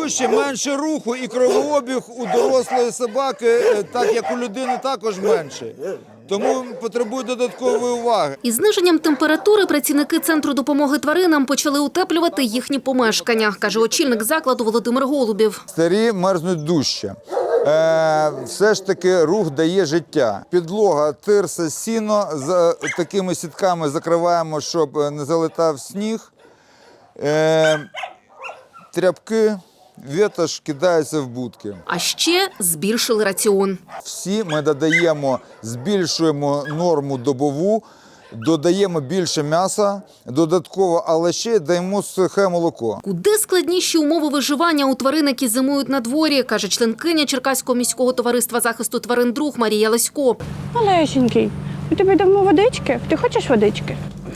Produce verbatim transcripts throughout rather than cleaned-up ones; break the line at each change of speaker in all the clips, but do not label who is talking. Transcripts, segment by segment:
дужче, менше руху і кровообіг у дорослої собаки, так як у людини, також менше. Тому потребує додаткової уваги.
Із зниженням температури працівники Центру допомоги тваринам почали утеплювати їхні помешкання, каже очільник закладу Володимир Голубів.
Старі мерзнуть дужче. Е, все ж таки рух дає життя. Підлога, тирса, сіно, з такими сітками закриваємо, щоб не залетав сніг. Е, тряпки, ветошь кидається в будки.
А ще збільшили раціон.
Всі ми додаємо, збільшуємо норму добову, додаємо більше м'яса додатково, але ще даємо сухе молоко.
Куди складніші умови виживання у тварин, які зимують на дворі, каже членкиня Черкаського міського товариства захисту тварин «Друг» Марія Ласько.
Малесенький, у тебе давно водички? Ти хочеш водички?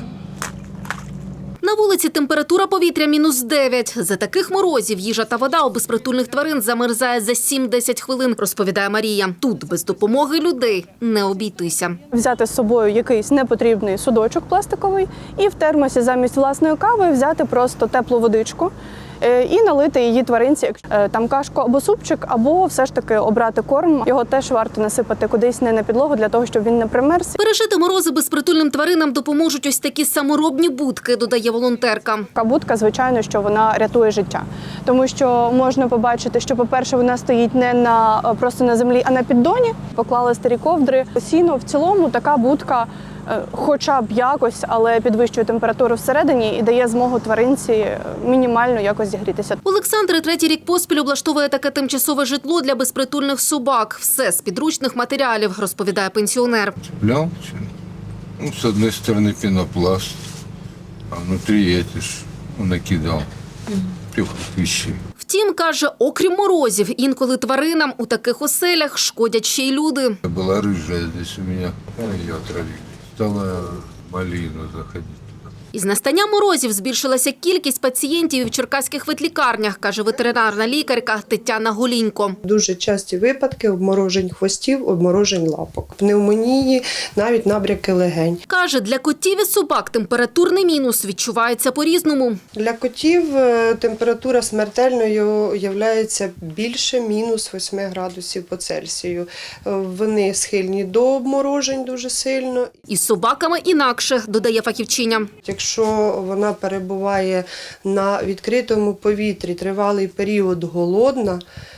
На вулиці температура повітря мінус дев'ять. За таких морозів їжа та вода у безпритульних тварин замерзає за сім-десять хвилин, розповідає Марія. Тут без допомоги людей не обійтися.
Взяти з собою якийсь непотрібний судочок пластиковий і в термосі замість власної кави взяти просто теплу водичку і налити її тваринці. Там кашку або супчик, або все ж таки обрати корм. Його теж варто насипати кудись не на підлогу, для того, щоб він не примерз.
Пережити морози безпритульним тваринам допоможуть ось такі саморобні будки, додає волонтерка.
Будка, звичайно, що вона рятує життя. Тому що можна побачити, що, по-перше, вона стоїть не на, просто на землі, а на піддоні. Поклали старі ковдри, сіно. В цілому така будка хоча б якось, але підвищує температуру всередині і дає змогу тваринці мінімально якось зігрітися.
Олександр третій рік поспіль облаштовує таке тимчасове житло для безпритульних собак. Все з підручних матеріалів, розповідає пенсіонер.
Цеплял, ну, с одной стороны пенопласт, а внутри эти ж накидал трех вещей.
Втім, каже, окрім морозів, інколи тваринам у таких оселях шкодять ще й люди.
Была рыжая здесь у меня, ее отравили. Стала малину заходить.
Із настанням морозів збільшилася кількість пацієнтів в черкаських ветлікарнях, каже ветеринарна лікарка Тетяна Голінько.
Дуже часті випадки обморожень хвостів, обморожень лапок, пневмонії, навіть набряки легень.
Каже, для котів і собак температурний мінус відчувається по-різному.
Для котів температура смертельною є більше мінус восьми градусів по Цельсію. Вони схильні до обморожень дуже сильно.
Із собаками інакше, додає фахівчиня.
Якщо вона перебуває на відкритому повітрі тривалий період голодна,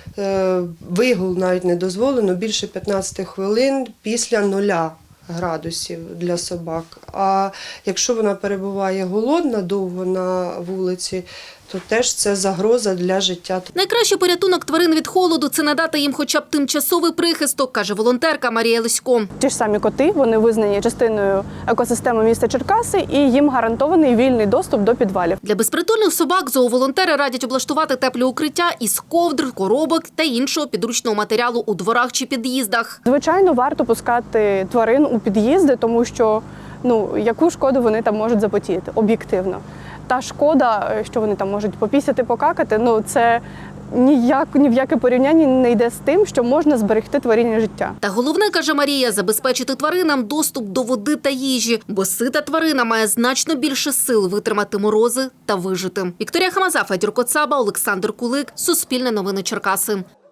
вигул навіть не дозволено більше п'ятнадцяти хвилин після нуля градусів для собак. А якщо вона перебуває голодна довго на вулиці, то теж це загроза для життя.
Найкращий порятунок тварин від холоду – це надати їм хоча б тимчасовий прихисток, каже волонтерка Марія Лисько.
Ті ж самі коти, вони визнані частиною екосистеми міста Черкаси і їм гарантований вільний доступ до підвалів.
Для безпритульних собак зооволонтери радять облаштувати теплі укриття із ковдр, коробок та іншого підручного матеріалу у дворах чи під'їздах.
Звичайно, варто пускати тварин у під'їзди, тому що ну, яку шкоду вони там можуть запотіяти, об'єктивно. Та шкода, що вони там можуть попісяти, покакати, ну це ніяк, ні в яке порівняння не йде з тим, що можна зберегти тваринне життя.
Та головне, каже Марія, забезпечити тваринам доступ до води та їжі, бо сита тварина має значно більше сил витримати морози та вижити. Вікторія Хамаза, Федір Коцаба, Олександр Кулик, Суспільне новини Черкаси.